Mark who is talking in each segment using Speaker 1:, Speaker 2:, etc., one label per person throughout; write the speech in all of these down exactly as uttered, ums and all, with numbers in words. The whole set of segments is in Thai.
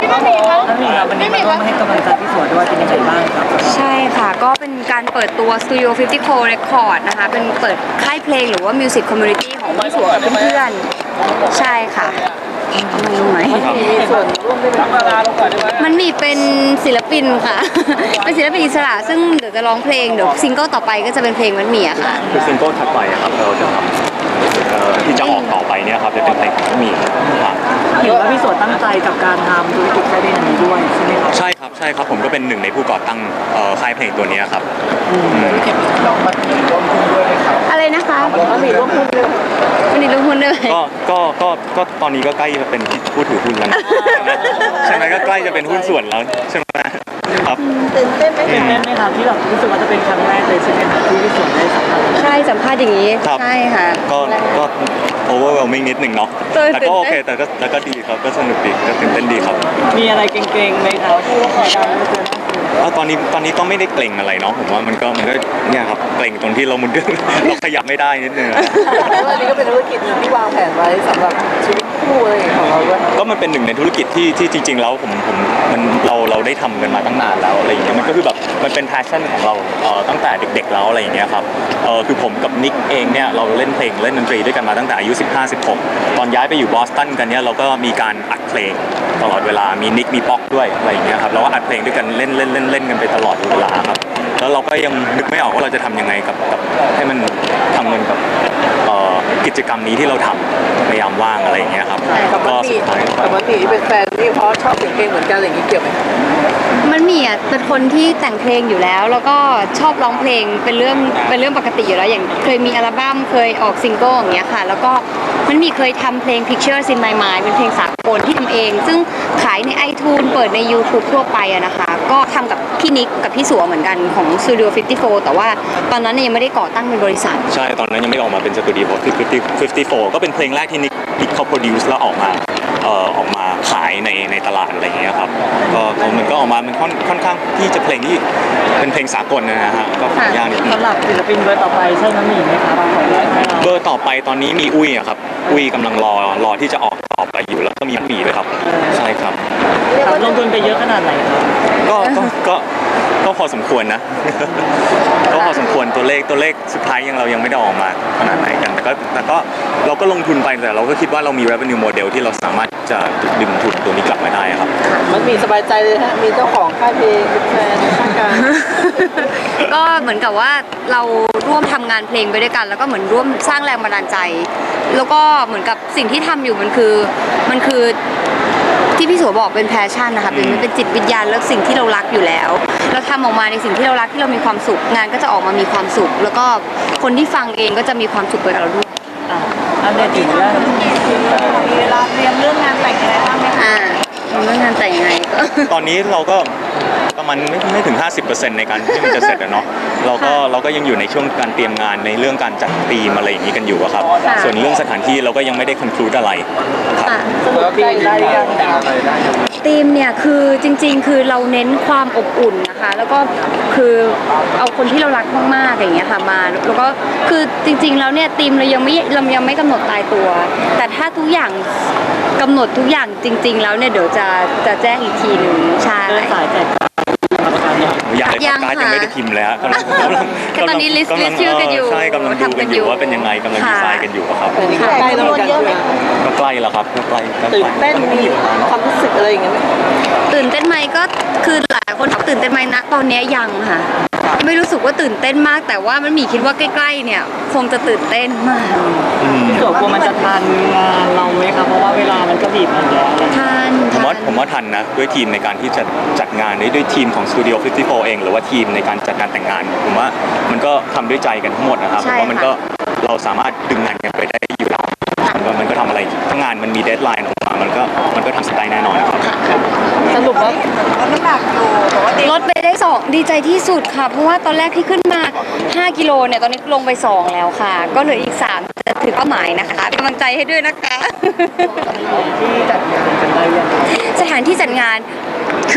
Speaker 1: ครับผม
Speaker 2: น้ำหนึ่งครับวันนี้มาร่วมให้กำลังใจพี่สวยด้วยเป็นยังไงบ้างครับ
Speaker 3: ใช่ค่ะก็เป็นการเปิดตัว Studio ห้าสิบโฟร์ Record นะคะเป็นเปิดค่ายเพลงหรือว่า Music Community ของพี่สัวกับเพื่อนๆใช่ค่ะมันรู้ไหม
Speaker 2: มีส่วนร่วมได้ไหม
Speaker 1: มาลาลงก่อนได้ไหม
Speaker 3: มันมีเป็นศิลปินค่ะ เป็นศิลปินอิสระซึ่งเดี๋ยวจะร้องเพลงเดี๋ยวซิงเกิลต่อไปก็จะเป็นเพลงมันหมี่อะค่ะ
Speaker 4: คือซิงเกิลถัดไปอะครับเราจะทำเอ่อที่จะออกต่อไปเนี่ยครับจะเป็นเพลงของมีครับ
Speaker 2: เห็นว่าพี่สวยตั้งใจกับการทำธุรกิจค่ายเพลงอันนี้ด้วยใช่ไหมครับ
Speaker 4: ใช่ครับใช่ครับผมก็เป็นหนึ่งในผู้ก่อตั้งเอ่อค่ายเพลงตัวเนี้ยครับอืม
Speaker 3: อะไรนะคะ
Speaker 2: มันมีร่วมทุนด้วย
Speaker 3: วันนี้ลงทุนด้วย
Speaker 4: ก็ก็ก็ก็ตอนนี้ก็ใกล้จะเป็นผู้ถือหุ้นแล้วนะใช่ไหมก็ใกล้จะเป็นหุ้นส่วนแล้วใช่ไหมครับ
Speaker 2: ตื่นเต้นไหมตื่นเต้นไหมครับที่แบบรู้สึกว่าจะเป็นครั้งแรกเลยใช่ไหมครับที่พี่สวยได้สัมผัส
Speaker 3: ใช่สัมภาษณ์อย่างนี้
Speaker 4: ครับ
Speaker 3: ใช่ค่ะ
Speaker 4: ก็ก็ overwhelming นิดหนึ่งเนาะ
Speaker 3: เออ
Speaker 4: แต่ก็
Speaker 3: ตื่นเต้น
Speaker 4: โอเคแต่ก็แต่ก็ดีครับก็สนุกดีก็ตื่นเต้นดีครับ
Speaker 2: มีอะไรเก่งๆไหมครับที่ว่าขอการเจอ
Speaker 4: แล้วตอนนี้ตอนนี้ก็ไม่ได้เกรงอะไรเนาะผมว่ามันก็มันก็เนี่ยครับเกรงตรงที่เรามัน เราขยับไม่ได้นิดนึงอะ
Speaker 2: อันนี้ก็เป็นธุรกิจหนึ่งที่วางแผนไว้สำหรับชีวิตคู่อะไรของเราด้วย
Speaker 4: ก็มันเป็นหนึ่งในธุรกิจที่ที่จริง ๆ แล้วผมผมมันเราเราได้ทำกันมาตั้งนานแล้วอะไรอย่างเงี้ยมันก็คือแบบมันเป็น passion ของเราเอ่อตั้งแต่เด็กๆแล้วอะไรอย่างเงี้ยครับเออคือผมกับนิกเองเนี่ยเราเล่นเพลงเล่นดนตรีด้วยกันมาตั้งแต่อายุสิบห้า สิบหกตอนย้ายไปอยู่บอสตันกันเนี่ยเราก็มีการอัดเพลงตลอดเวลามีนิกมีป๊อกด้วยอะไรอย่างเงี้ยครับเราก็อัดเพลงด้วยกันเล่นเล่นเล่นเล่นกันไปตลอดเวลาครับแล้วเราก็ยังนึกไม่ออกว่าเราจะทำยังไงกับกับให้มันทำเงินกับเอ่อกิจกรรมนี้ที่เราทำในยามว่างอะไรอย่างเงี้ยครับก็สุดท้าย
Speaker 2: ปกติเป็นแฟนนี่เพราะชอบเสียงเพลงเหมือนกันอะไรอย่างนี้เกี่ยวไหม
Speaker 3: มันมีอ่ะเป็นคนที่แต่งเพลงอยู่แล้ว แล้วก็ชอบร้องเพลงเป็นเรื่องเป็นเรื่องปกติอยู่แล้วอย่างเคยมีอัลบั้มเคยออกซิงเกิลอย่างเงี้ยค่ะแล้วก็มันมีเคยทำเพลง Pictures in My Mind เป็นเพลงสากลที่ทำเอง ซึ่งขายใน iTunes เปิดใน YouTube ทั่วไปอะนะคะก็ทำกับพี่นิกกับพี่สัวเหมือนกันของ Studio ห้าสิบโฟร์ แต่ว่าตอนนั้นเนี่ยยังไม่ได้ก่อตั้งเป็นบริษัท
Speaker 4: ใช่ตอนนั้นยังไม่ได้ออกมาเป็นสตูดิโอที่ห้าสิบโฟร์ก็เป็นเพลงแรกที่นิกนิกเขาโปรดิวซ์แล้วออกมาเอ่อออกมาขายในในตลาดอะไรอย่างเงี้ยครับก็ก็มันก็ออกมามันค่อนค่อนข้างที่จะเพลงที่เป็นเพลงสากลนะฮะก็ค่อนข้างยากนิดนึง
Speaker 2: สำหรับศิลปินเบอร์ต่อไปใช่น้ำหนึ่งไหมครับของเราให้เรา
Speaker 4: เบอร์ต่อไปตอนนี้มีอุ้ยอะครับอุ้ยกำลังรอรอที่จะออกต่อไปอยู่แล้วก็มีหมีด้วยครับใช่ครับ
Speaker 2: ครับลงทุนไปเยอะขนาดไหนครับ
Speaker 4: ก็ก็ก็ก็พอสมควรนะ ก็พอสมควรตัวเลขตัวเลขสุดท้ายยังเรายังไม่ได้ออกมาขนาดไหนกันแต่ก็แต่ก็เราก็ลงทุนไปแต่เราก็คิดว่าเรามี revenue model ที่เราสามารถจะดึงทุนตัวนี้กลับมาได้ครับ
Speaker 2: มันมีสบายใจเลยฮะมีเจ้าของค่ายเพลงเป็นแฟนข้างกัน
Speaker 3: ก็เหมือนกับว่าเราร่วมทำงานเพลงไปด้วยกัน แล้วก็เหมือนร่วมสร้างแรงบันดาลใจ แล้วก็เหมือนกับสิ่งที่ทำอยู่มันคือมันคือที่พี่สัวบอกเป็นแพชชั่นนะคะเป็นมันเป็นจิตวิญญาณแล้วสิ่งที่เรารักอยู่แล้ว เราทำออกมาในสิ่งที่เรารักที่เรามีความสุขงานก็จะออกมามีความสุข แล้วก็คนที่ฟังเองก็จะมีความสุขไปกับเราด้วย
Speaker 2: อ่ะอันเดตถึงเรื่องมีเวลาเตรียมเรื่องงานแต่งอะไรบ้างไหมคะ
Speaker 3: อ่าเรื่องงานแต่งยังไงก็
Speaker 4: ตอนนี้เราก็ประมาณไม่ไม่ถึง ห้าสิบเปอร์เซ็นต์ ในการที่มันจะเสร็จอะเนาะเราก็เราก็ยังอยู่ในช่วงการเตรียมงานในเรื่องการจัดธีมอะไรอย่างนี้กันอยู่อะครับ
Speaker 3: ค่ะ
Speaker 4: ส่วนเรื่องสถานที่เราก็ยังไม่ได้ conclude อะไรครับ
Speaker 3: ค่ะ
Speaker 2: สรุปปีได้ยัง
Speaker 3: ธีมเนี่ยคือจริงๆ คือเราเน้นความอบอุ่นนะคะ แล้วก็คือเอาคนที่เรารักมากๆอย่างเงี้ยค่ะมาแล้วก็คือจริงๆแล้วเนี่ยธีมเรายังไม่เรายังไม่กำหนดตายตัว แต่ถ้าทุกอย่างกำหนดทุกอย่างจริง ๆ แล้วเนี่ยเดี๋ยวจะจะแจ้งอีกทีหนึ่งใช่
Speaker 2: เดินสายแจกประกันเนี่ย
Speaker 4: อยากเลย
Speaker 3: ยัง
Speaker 4: การ์ด
Speaker 3: ค่ะ
Speaker 4: ยังไม่ได้พิมพ์เลยฮะกำลังกำลัง
Speaker 3: ก็ตอนนี้ list
Speaker 4: กำลัง
Speaker 3: list ชื่อกันอยู่
Speaker 4: ใช่กำลังดู
Speaker 3: ทำกั
Speaker 4: กัน
Speaker 3: น
Speaker 4: อ
Speaker 3: อยู่
Speaker 4: ยู่ว่าเป็นยังไงกำลัง
Speaker 3: ค่ะ
Speaker 4: ดีไซน์กันอยู่อะครับ
Speaker 2: อันนี้ก็ใกล้แล้วเหมือนกันใช่ไหม
Speaker 4: ก็ใกล้แล้วครับก็ใกล้ก็ใก
Speaker 2: ตื่น
Speaker 4: ล้
Speaker 2: เต้นมีความรู้สึกอะไรอย่างเงี้ยไหม
Speaker 3: ตื่นเต้นไหมก็คือหลายคนถามตื่นเต้นไหมนะตอนเนี้ยยังค่ะ ไม่รู้สึกว่าตื่นเต้นมาก แต่ว่ามันมีคิดว่าใกล้ๆเนี่ยคงจะตื่นเต้นมาก
Speaker 4: อืม
Speaker 2: พี่สัวกลัวมันจะทันงานเราไหมครับเพราะว่าเวลามันก็บีบมาแล้ว
Speaker 3: ท่าน
Speaker 4: ผมว่าผมว่าทันนะด้วยทีมในการที่จะจัดงานด้วยด้วยทีมของ Studio ห้าสิบโฟร์ เองหรือว่าทีมในการจัดงานแต่งงานผมว่ามันก็ทำด้วยใจกันทั้งหมดนะครับผมว่ามันก็เราสามารถดึงงานกันไปได้อยู่แล้วมันก็มันก็ทำอะไรถ้างานมันมีเดดไลน์ออกมามันก็มันก็ทำได้แน่นอนครับ
Speaker 2: สรุปว่า
Speaker 3: ลดไปได้สองดีใจที่สุดค่ะ เพราะว่าตอนแรกที่ขึ้นมาห้ากิโลเนี่ยตอนนี้ลงไปสองแล้วค่ะ ก็เหลืออีกสามจะถึงเป้าหมายนะคะเป็นกำลังใจให้ด้วยนะคะ
Speaker 2: ที่จัดงานกันได้ยัง
Speaker 3: สถานที่จัดงานคือ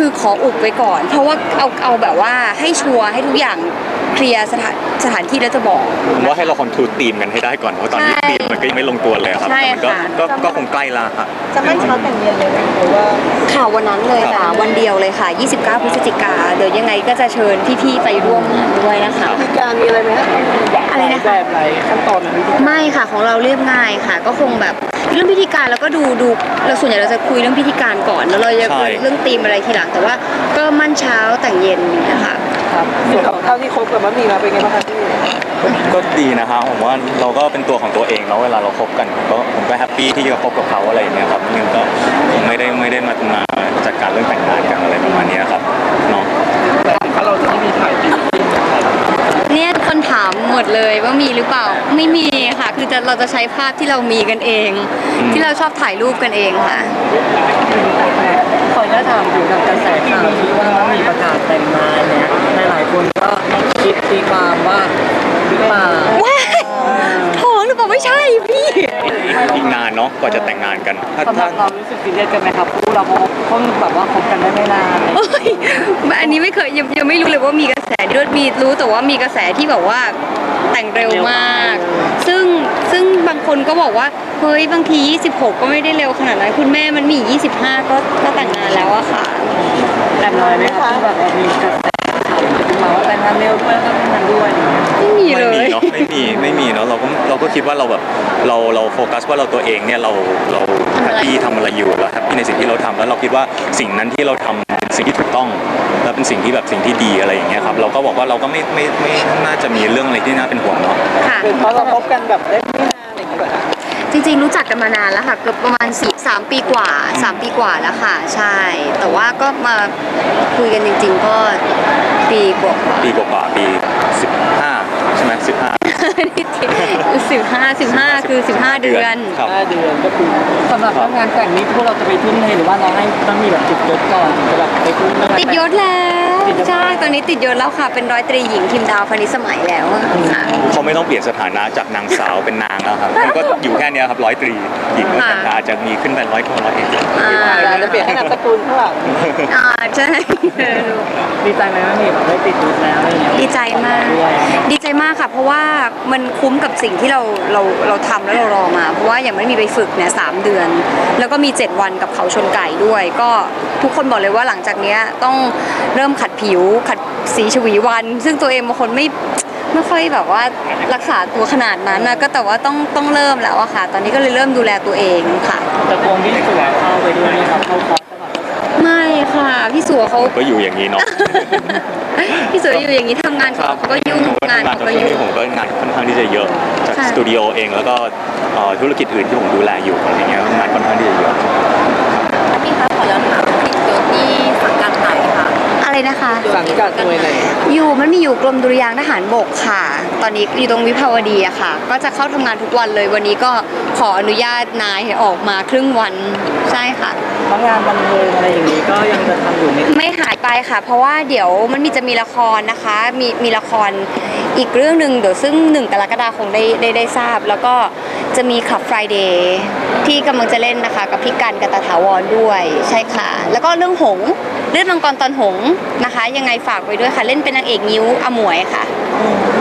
Speaker 3: คือขออุบไว้ก่อน เพราะว่าเอาเอาแบบว่าให้ชัวร์ให้ทุกอย่างเคลียร์สถานสถานที่แล้วจะบอก
Speaker 4: ผมว่าให้เราคอนทูตีมกันให้ได้ก่อนเพราะตอนนี้
Speaker 3: ใช่
Speaker 4: ตีมมันก็ยังไม่ลงตัวเลยครับ
Speaker 3: ใช่
Speaker 4: แต่มันก็
Speaker 3: ค่ะ
Speaker 4: ก็ก็คงใกล้ละครับ
Speaker 2: จะมั่นเช้าแต่งเย็นเลยไหมหรือว่า
Speaker 3: ข่าววันนั้นเลยค่ะ วันเดียวเลยค่ะ ยี่สิบเก้า พฤศจิกาเดี๋ยวยังไงก็จะเชิญพี่ๆไปร่วมงานด้วยนะคะ
Speaker 2: มีการมีอะไรไหมฮะ
Speaker 3: อะไรนะคะ
Speaker 2: แบบไหนขั้นตอนวิธี
Speaker 3: ไม่ค่ะของเราเรียบง่ายค่ะ ก็คงแบบเรื่องพิธีการแล้วก็ดูดูเราส่วนใหญ่เราจะคุยเรื่องพิธีการก่อนแล้วเราจะ
Speaker 4: ใช่
Speaker 3: เรื่องธีมอะไรทีหลังแต่ว่าก็มั่นเช้าแต่งเย็นอย่างเงี้ยค่ะ
Speaker 2: ครับส่วนเท่าที่คบกับมัมมี่มาเป็นไงบ้างครับพี่
Speaker 4: ก็ดีนะครับผมว่าเราก็เป็นตัวของตัวเองเนาะเวลาเราคบกันผมก็ผมก็แฮปปี้ที่จะคบกับเขาอะไรอย่างเงี้ยครับงั้นก็คงไม่ได้ไม่ได้มามาจัดการเรื่องแต่งงานกันอะไรประมาณเนี้ยครับเนาะ
Speaker 2: ถ้าเราจะไม่มีถ่ายติด
Speaker 3: เนี่ยทุกคนถามหมดเลยว่ามีหรือเปล่าไม่มีค่ะ คือจะเราจะใช้ภาพที่เรามีกันเอง ที่เราชอบถ่ายรูปกันเองค่ะ
Speaker 2: ขออนุญาตถามถึงกับกระแสข่าวที่ว่ามีประกาศแต่งงานเนี่ยหลายๆคนก็คิดตีความว่าหรือเปล่า
Speaker 3: ว้ายท้องหรือเปล่าไม่ใช่พี่
Speaker 4: อีกนานเนาะกว่าจะแต่งงานกันถ้า
Speaker 2: สำหรั
Speaker 4: ถ้า
Speaker 2: บเรารู้สึกซีเรียสกันไหมครับคู่เราเพราะเพิ่งแบบว่าคบกันได้ไม่นาน
Speaker 3: เอ้ยอันนี้ไม่เคยยังยังไม่รู้เลยว่ามีกระแสด้วยมีรู้แต่ว่ามีกระแสที่แบบว่าแต่งเร็วมาก ซึ่งซึ่งบางคนก็บอกว่าเฮ้ยบางทียี่สิบหกก็ไม่ได้เร็วขนาดนั้นคุณแม่มันมียี่สิบห้าก็ก็แต่งงานแล้วอะค่ะ
Speaker 2: แต่น้อยไหมครับที่แบบมีกระแสข่าวขึ้นมาว่าแต่งงานเร็วด้วยแล้วก็แต่งงานด้วย
Speaker 3: ไม่มีเล
Speaker 4: ไม่มี
Speaker 3: ย
Speaker 4: เนาะไม่มีไม่มีเนาะเราก็เราก็คิดว่าเราแบบเราเราโฟกัสว่าเราตัวเองเนี่ยเราเราแฮปปี้ทำอะไรอยู่เราแฮปปี้ในสิ่งที่เราทำแล้วเราคิดว่าสิ่งนั้นที่เราทำเป็นสิ่งที่ถูกต้อง และเป็นสิ่งที่แบบสิ่งที่ดีอะไรอย่างเงี้ยครับเราก็บอกว่าเราก็ไม่ไม่ไม่ไม่น่าจะมีเรื่องอะไรที่น่าเป็นห่วงเนาะ
Speaker 3: ค่ะ
Speaker 2: เป็นเพราะเราคบกันแบบได้ไม่นานอะไรอย่างเงี้ยเหรอ
Speaker 3: จริงๆรู้จักกันมานานแล้วค่ะเกือบประมาณสี่สามปีกว่าสามปีกว่าแล้วค่ะ ใช่ แต่ว่าก็มาคุยกันจริง ๆ ก็ปีกว่า
Speaker 4: ปีกว่าๆปีสิบห้าใช่ไหมสิบห้า
Speaker 3: สิบห้าสิบห้าคือสิบห้าเดือน
Speaker 4: ครับ
Speaker 2: ห้าเดือนก็คือสำหรับเรื่องงานแต่งนี้พวกเราจะไปทุ่มเทหรือว่าเราให้ต้องมีแบบติดยศก่อนถึงจะแบบไปทุ่มเรื่องงาน
Speaker 3: ติด
Speaker 2: แต่ง
Speaker 3: ยศแล้ว
Speaker 2: ติดยศ
Speaker 3: ใช่ตอนนี้ติดยศแล้วค่ะ เป็นร้อยตรีหญิงทีมดาวพานิชสมัยแล้วค่ะ
Speaker 4: เขาไม่ต้องเปลี่ยนสถานะจากนางสาวเป็นนางแล้วครับมันก็อยู่แค่เนี้ยครับร้อยตรีหญิงแล้วแต่อาจจะมีขึ้นเป็นร้อยโทร้อยเอก
Speaker 3: อ่า
Speaker 2: เราจะเปลี่ยนให้นามสกุลข้างหลัง
Speaker 3: อ่าใช่
Speaker 2: ดีใจไหมว่ามีแบบได้ติดยศแล้วอะไรอย่างเงี้ย
Speaker 3: ดีใจมาก
Speaker 2: ด้วย
Speaker 3: ดีใจมากค่ะ เพราะว่ามันคุ้มกับสิ่งที่เราเราเราทำแล้วเรารอมา เพราะว่าอย่างไม่มีไปฝึกเนี่ยสามเดือน แล้วก็มีเจ็ดวันกับเขาชนไก่ด้วย ก็ทุกคนบอกเลยว่าหลังจากเนี้ยต้องเริ่มขัดผิว ขัดสีฉวีวัน ซึ่งตัวเองบางคนไม่ไม่ค่อยแบบว่ารักษาตัวขนาดนั้นนะก็แต่ว่าต้องต้องเริ่มแล้วอะค่ะ ตอนนี้ก็เลยเริ่มดูแลตัวเองค่ะ
Speaker 2: แต่คงที่สวยเข้าไปด้วยนะครับเข้าคอร์สตลอด
Speaker 3: ไม่ค่ะพี่สัวเขา
Speaker 4: ก็อยู่อย่างนี้เนาะ
Speaker 3: พี่สัวอยู่อย่างนี้ทำงานของเขาก็ยุ่ง
Speaker 4: ผมก็
Speaker 3: งาน
Speaker 4: ทำงาน
Speaker 3: เขา
Speaker 4: กับ
Speaker 3: ก็
Speaker 4: ช่วง
Speaker 3: ยุ่ง
Speaker 4: นี้ผมก็งานค่อนข้างที่จะเยอะจาก
Speaker 3: ค่ะ
Speaker 4: สตูดิโอเองแล้วก็เอ่อธุรกิจอื่นที่ผมดูแลอยู่อะไรเงี้ยงานค่อนข้างที่จะเยอะ
Speaker 1: พี่คะขอย้อนถามผิดยศที่สังกัดไหนคะ
Speaker 3: อะไรนะคะ
Speaker 2: สังกัดหน่วยไหน
Speaker 3: อยู่มันมีอยู่กรมดุริยางค์ทหารบกค่ะ ตอนนี้อยู่ตรงวิภาวดีอะค่ะ ก็จะเข้าทำงานทุกวันเลย วันนี้ก็ขออนุญาตนายให้ออกมาครึ่งวัน ใช่ค่ะ
Speaker 2: เพราะงานบันเทิงอะไรอย่างนี้ก็ยังจะทำอยู่ไหม
Speaker 3: ไม่หายไปค่ะ เพราะว่าเดี๋ยวมันมีจะมีละครนะคะ มีมีละครอีกเรื่องหนึ่งเดี๋ยวซึ่งหนึ่งกรกฎาคมได้ได้ได้ทราบ แล้วก็จะมีขับ Friday ที่กำลังจะเล่นนะคะ กับพี่กันกตถาวรด้วย ใช่ค่ะ แล้วก็เรื่องหงส์เลือดมังกรตอนหงส์นะคะ ยังไงฝากไว้ด้วยค่ะ เล่นเป็นนางเอกนิ้วอมวยค่ะ